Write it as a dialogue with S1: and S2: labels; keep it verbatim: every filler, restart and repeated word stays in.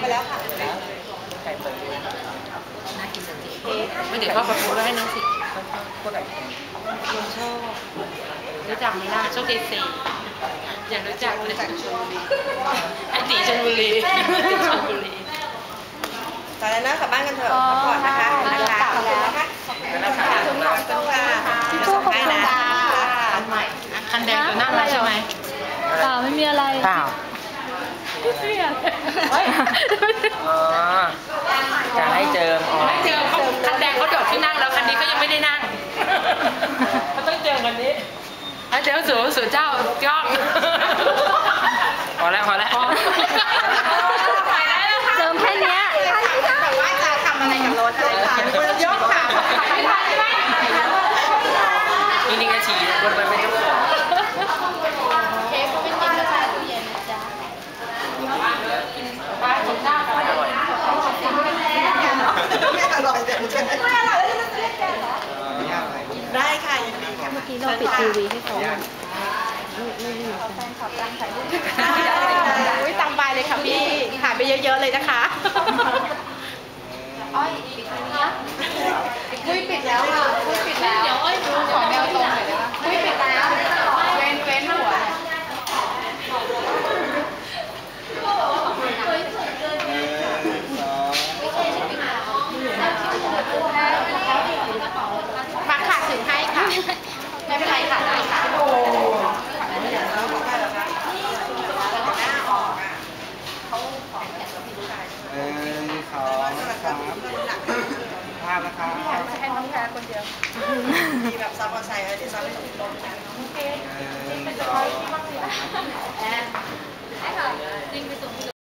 S1: แล้วค่ะ
S2: ไก่เปิด
S1: น่ากินจังเลย
S3: ไม่เดี๋ยวพ่อประพูดไว้ให้น้องสิ
S2: พวกไก่
S3: คนชอบรู้จักไหมล่ะโชคดีสี่อยากรู้จักเลยจากชลบุรีไอตีชลบุรีตีชลบุรี
S1: ตอนนั้นกลับบ้านกันเถอะพักผ่อนนะคะนะคะขอบคุณนะคะขอบคุณค่ะขอบคุณค่ะที่ช่วยขอบคุณค่ะอันใหม่
S3: คันแดงอยู่นั่งแล้วใช่ไหม
S4: เปล่าไม่มีอะไร
S2: เปล่า
S4: เสีย
S2: อ๋อจะให้เจิมอ๋อ
S3: ไม่เจอเขาคันแดงเขาโดดที่นั่งแล้วคันนี้ก็ยังไม่ได้นั่งเขาต้องเจอกันนี้เดี๋ยวสูสูเจ้าย่อง
S2: พอแล้วพอแล้ว
S4: เจิมแค่นี้
S1: แต่ว่าจะทำอะไรกับรถอะไรค่ะยกขาไม่ทันใช่ไหม
S2: นี่นี่ก็ฉี่คนไปเป็นเจ้าของ
S4: เค้กก็ไม่กินกาแฟตู้เย็นนะจ๊ะ
S3: ป้ากินข้าวกันอร่อย
S1: ไม่อร่อยแต่ไม่ไม่อร่อยแล้วจะเล่นแกเหรอได้ค่ะยินดีค่ะ
S4: เมื่อกี้เราปิดทีวีให้เขา
S1: แฟนขับตั้งถ่ายรูปอุ้ยตามไปเลยค่ะพี่หายไปเยอะๆเลยนะคะอ้อยปิดแล้วอุ้ยปิดแล้วค่ะอุ้ยปิดแล้วเดี๋ยวอ้อยดูขอแมวตรงหน่อยได้ไหมอุ้ยปิดแล้วเว้นเว้นหัวมาค่ะถึงให้ค่ะไม่เป็นไรค่ะได้ค่ะโอ้
S2: เออสองสามภาพนะคะ
S1: จะให้น้องแพรคนเดียวมีแบบซับมอไซค์เดี๋ยวซับไม่ถูกลงโอเคเป็นจะคอยที่บ้างสิแอนให้ค่ะจริงไปส่ง